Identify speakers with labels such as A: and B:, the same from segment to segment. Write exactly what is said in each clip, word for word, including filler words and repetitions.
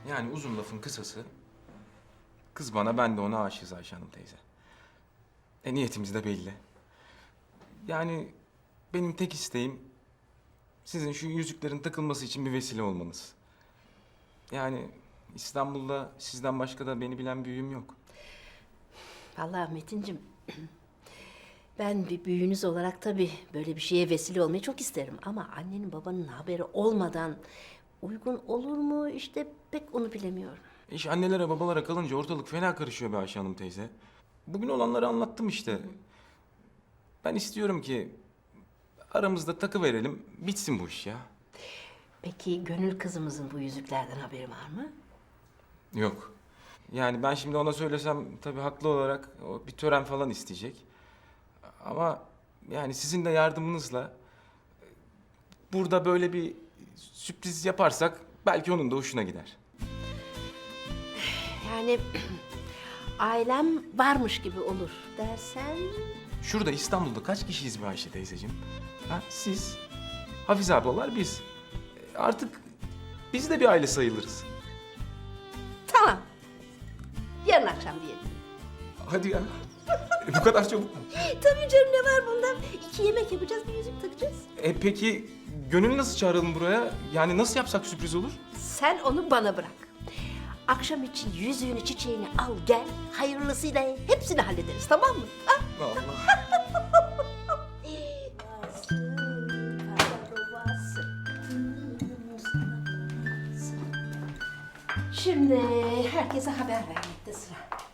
A: Yani uzun lafın kısası, kız bana, ben de ona aşığız Ayşe Hanım teyze. E niyetimiz de belli. Yani benim tek isteğim sizin şu yüzüklerin takılması için bir vesile olmanız. Yani İstanbul'da sizden başka da beni bilen büyüğüm yok.
B: Vallahi Metin'cim, ben bir büyüğünüz olarak tabii böyle bir şeye vesile olmayı çok isterim. Ama annenin babanın haberi olmadan uygun olur mu işte pek onu bilemiyorum.
A: İş annelere babalara kalınca ortalık fena karışıyor be Ayşe Hanım teyze. Bugün olanları anlattım işte. Ben istiyorum ki aramızda takı verelim, bitsin bu iş ya.
B: Peki Gönül kızımızın bu yüzüklerden haberi var mı?
A: Yok. Yani ben şimdi ona söylesem tabii haklı olarak o bir tören falan isteyecek. Ama yani sizin de yardımınızla burada böyle bir sürpriz yaparsak belki onun da hoşuna gider.
B: Yani ailem varmış gibi olur dersen...
A: Şurada İstanbul'da kaç kişiyiz be Ayşe teyzeciğim? Ha, siz, Hafize ablalar biz. E, Artık biz de bir aile sayılırız.
B: Tamam. Yarın akşam diyelim.
A: Hadi ya. E, bu kadar çabuk mu?
B: Tabii canım, ne var bunda? İki yemek yapacağız, bir yüzük takacağız.
A: E peki Gönül nasıl çağıralım buraya? Yani nasıl yapsak sürpriz olur?
B: Sen onu bana bırak. Akşam için yüzüğünü, çiçeğini al gel. Hayırlısıyla hepsini hallederiz, tamam mı? Ha?
A: Allah.
B: Şimdi herkese haber vermekte sıra.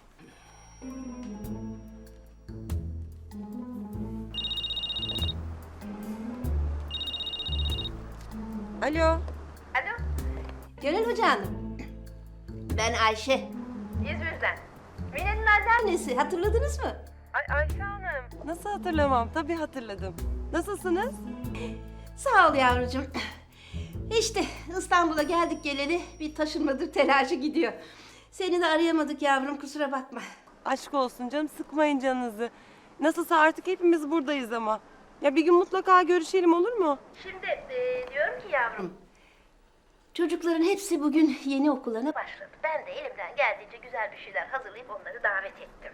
C: Alo.
B: Gönül Hoca Hanım. Ben Ayşe.
D: İzmir'den.
B: Mine'nin anneannesi, hatırladınız mı?
D: Ay Ayşe Hanım.
C: Nasıl hatırlamam? Tabii hatırladım. Nasılsınız?
B: Sağ ol yavrucuğum. İşte İstanbul'a geldik geleli bir taşınmadır telaşı gidiyor. Seni de arayamadık yavrum, kusura bakma.
C: Aşk olsun canım, sıkmayın canınızı. Nasılsa artık hepimiz buradayız ama. Ya bir gün mutlaka görüşelim, olur mu?
D: Şimdi e, diyorum ki yavrum.
B: Çocukların hepsi bugün yeni okullarına başladı.
D: Başladı. Ben de elimden geldiğince güzel bir şeyler hazırlayıp onları davet ettim.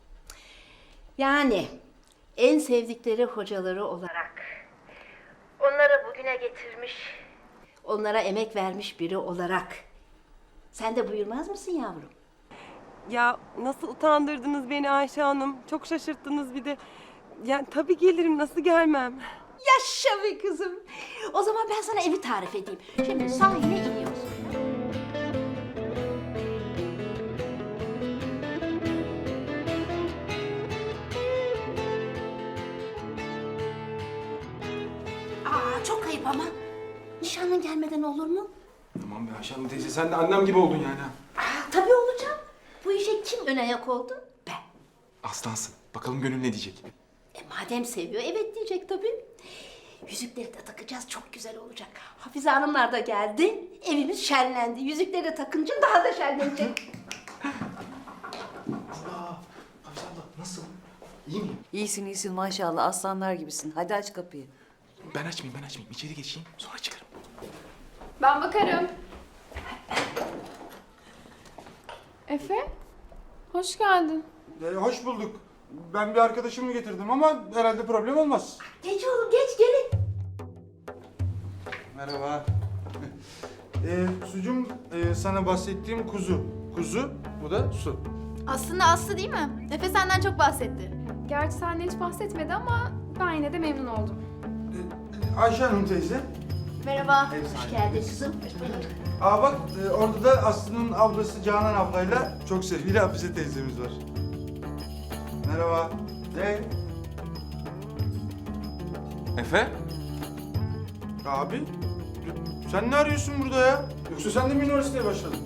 B: Yani en sevdikleri hocaları olarak
D: Olarak. Onları bugüne getirmiş.
B: onlara emek vermiş biri olarak. Sen de buyurmaz mısın yavrum?
C: Ya nasıl utandırdınız beni Ayşe Hanım. Çok şaşırttınız bir de. Yani tabii gelirim, nasıl gelmem?
B: Yaşa be kızım. O zaman ben sana evi tarif edeyim. Şimdi sahile iniyorsun. Aa, çok ayıp ama. Nişanlın gelmeden olur mu?
A: Tamam be Ayşe Hanım teyze, sen de annem gibi oldun yani ha.
B: Aa, tabii olacağım. Bu işe kim ön ayak oldu? Ben.
A: Aslansın. Bakalım Gönül ne diyecek?
B: E madem seviyor, evet diyecek tabii. Yüzükleri de takacağız, çok güzel olacak. Hafize Hanımlar da geldi, evimiz şenlendi. Yüzükleri de takınca daha da şenlenecek.
A: Allah! Hafize abla nasıl? İyi miyim?
E: İyisin iyisin maşallah, aslanlar gibisin. Hadi aç kapıyı.
A: Ben açmayayım, ben açmayayım. İçeri geçeyim, sonra çıkarım.
F: Ben bakarım. Efe, hoş geldin.
G: Ee, hoş bulduk. Ben bir arkadaşımı getirdim ama herhalde problem olmaz.
B: Geç oğlum, geç gelin.
G: Merhaba. ee, sucum e, sana bahsettiğim kuzu. Kuzu, bu da su.
F: Aslında Aslı değil mi? Efe senden çok bahsetti. Gerçi senden hiç bahsetmedi ama ben yine de memnun oldum.
G: Ee, Ayşe Hanım teyze.
F: Merhaba.
B: Hoş geldin kızım.
G: Aa bak e, orada da Aslı'nın ablası Canan ablayla çok sevgili Hafize teyzemiz var. Merhaba. Hey.
A: Efe?
G: Abi. Sen ne arıyorsun burada ya? Yoksa sen de mi üniversiteye başladın?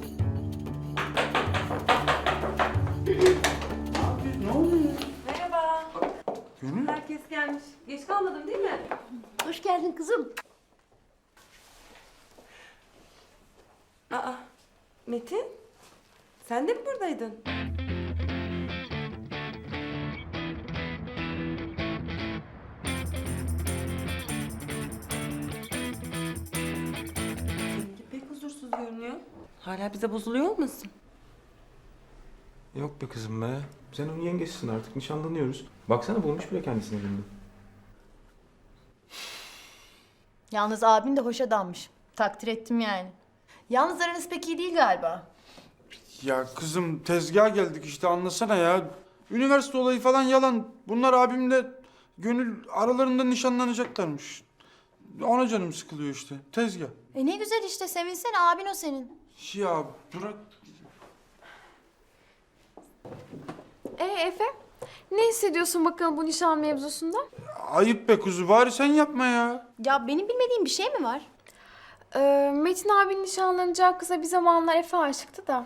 G: Abi ne oluyor?
C: Merhaba.
G: Gönül.
C: Herkes gelmiş. Geç kalmadım değil mi?
B: Hoş geldin kızım.
C: Aa, Metin. Sen de mi buradaydın? Seninki pek huzursuz görünüyor. Hala bize bozuluyor olmasın?
A: Yok be kızım be. Sen onun yengesisin artık. Nişanlanıyoruz. Baksana bulmuş bile kendisini elinde.
H: Yalnız abin de hoş adammış. Takdir ettim yani. Yalnız aranız pek iyi değil galiba.
G: Ya kızım tezgaha geldik işte anlasana ya. Üniversite olayı falan yalan. Bunlar abimle gönül aralarında nişanlanacaklarmış. Ona canım sıkılıyor işte. Tezgah.
H: E ne güzel işte, sevinsene, abin o senin.
G: Ya bırak.
F: Ee Efe, ne hissediyorsun bakalım bu nişan mevzusunda?
G: Ayıp be kuzu, bari sen yapma ya.
H: Ya benim bilmediğim bir şey mi var?
F: Ee, Metin abinin nişanlanacağı kıza bir zamanlar Efe aşıktı da.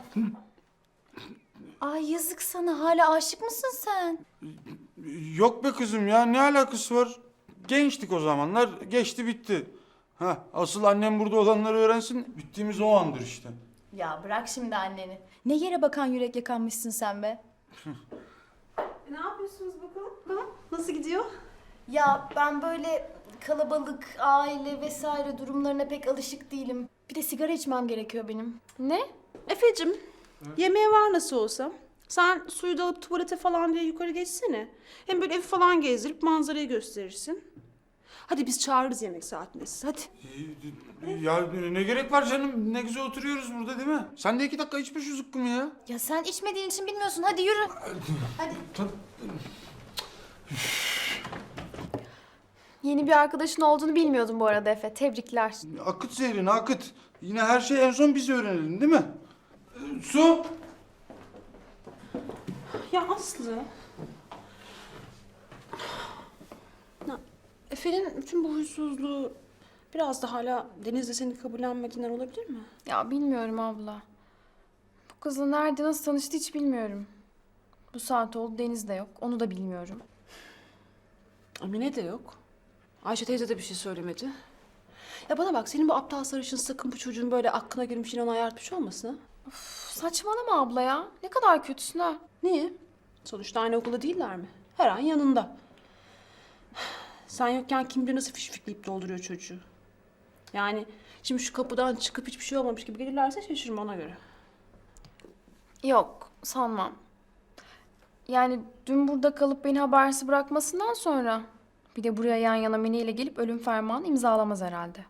H: Ay yazık sana, hala aşık mısın sen?
G: Yok be kızım ya, ne alakası var? Gençtik o zamanlar, geçti bitti. Ha, asıl annem burada olanları öğrensin, bittiğimiz o andır işte.
H: Ya bırak şimdi anneni. Ne yere bakan yürek yakanmışsın sen be.
C: Ne yapıyorsunuz bakalım? Nasıl gidiyor?
H: Ya ben böyle kalabalık, aile vesaire durumlarına pek alışık değilim. Bir de sigara içmem gerekiyor benim.
F: Ne?
I: Efe'cim, yemeğe var nasıl olsa. Sen suyu da alıp tuvalete falan diye yukarı geçsene. Hem böyle evi falan gezdirip manzarayı gösterirsin. Hadi biz çağırırız yemek saatinde sizi, hadi.
G: Ya ne gerek var canım, ne güzel oturuyoruz burada değil mi? Sen de iki dakika içme şu zıkkımı ya.
H: Ya sen içmediğin için bilmiyorsun, hadi yürü. Hadi.
F: Yeni bir arkadaşın olduğunu bilmiyordum bu arada Efe. Tebrikler.
G: Akıt zehrini akıt. Yine her şeyi en son biz öğrenelim değil mi? Ee, Su.
I: Ya Aslı. Ya, Efe'nin bütün bu huysuzluğu biraz da hala Deniz'le seni kabullenmediğinden olabilir mi?
F: Ya bilmiyorum abla. Bu kızla nerede nasıl tanıştı hiç bilmiyorum. Bu saat oldu Deniz de yok. Onu da bilmiyorum.
I: Emine de yok. Ayşe teyze de bir şey söylemedi. Ya bana bak, senin bu aptal sarışın sakın bu çocuğun böyle aklına girmiş yine onu ayartmış olmasın ha?
F: Üf, saçmalama abla ya. Ne kadar kötüsün ha.
I: Niye? Sonuçta aynı okulda değiller mi? Her an yanında. Sen yokken kim bilir nasıl fişfikleyip dolduruyor çocuğu. Yani şimdi şu kapıdan çıkıp hiçbir şey olmamış gibi gelirlerse şaşırma ona göre.
F: Yok sanmam. Yani dün burada kalıp beni habersiz bırakmasından sonra bir de buraya yan yana Mine ile gelip ölüm fermanı imzalamaz herhalde.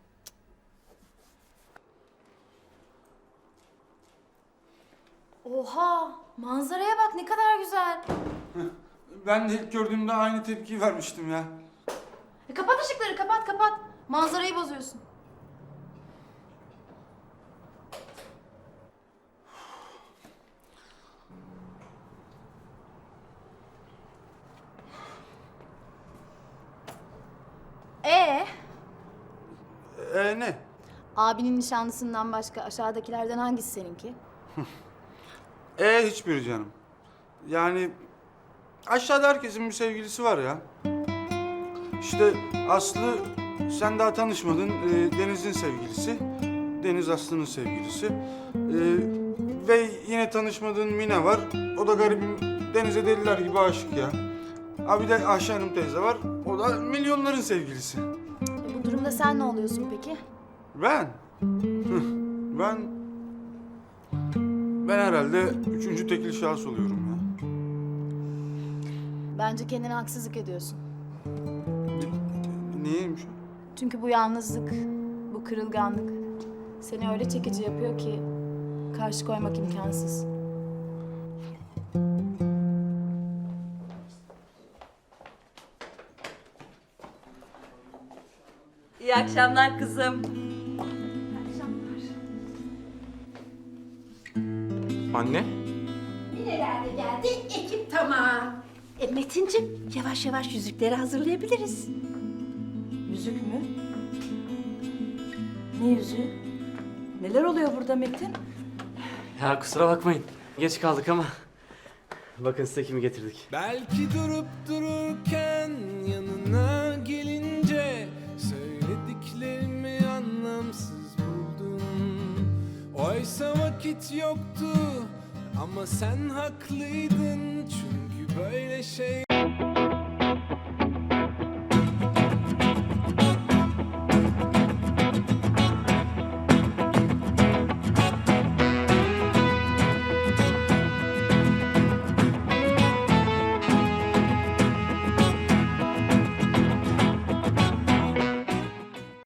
H: Oha, manzaraya bak ne kadar güzel.
G: Ben de ilk gördüğümde aynı tepkiyi vermiştim ya.
H: E, kapat ışıkları, kapat kapat. Manzarayı bozuyorsun. Ee,
G: Ee ne?
H: abinin nişanlısından başka aşağıdakilerden hangisi seninki?
G: Ee hiçbiri canım. Yani aşağıda herkesin bir sevgilisi var ya. İşte Aslı sen daha tanışmadın. Ee, Deniz'in sevgilisi. Deniz Aslı'nın sevgilisi. Ee, ve yine tanışmadığın Mine var. O da garibim Deniz'e deliler gibi aşık ya. Ha bir de Ayşe Hanım teyze var. O da milyonların sevgilisi.
H: E, bu durumda sen ne oluyorsun peki?
G: Ben? Hıh, ben... Ben herhalde üçüncü tekil şahıs oluyorum ya.
H: Bence kendine haksızlık ediyorsun.
G: Niyeymiş o?
H: Çünkü bu yalnızlık, bu kırılganlık seni öyle çekici yapıyor ki karşı koymak imkansız.
E: İyi akşamlar kızım.
A: Anne?
B: Nerelerde geldi? Ekip tamam. E Metincim, yavaş yavaş yüzükleri hazırlayabiliriz.
E: Yüzük mü? Ne yüzüğü? Neler oluyor burada Metin?
J: Ya kusura bakmayın. Geç kaldık ama. Bakın size kimi getirdik.
K: Belki durup dururken yanına gelince söylediklerimi anlamsız buldum. Oysa vakit yoktu ama sen haklıydın çünkü böyle şey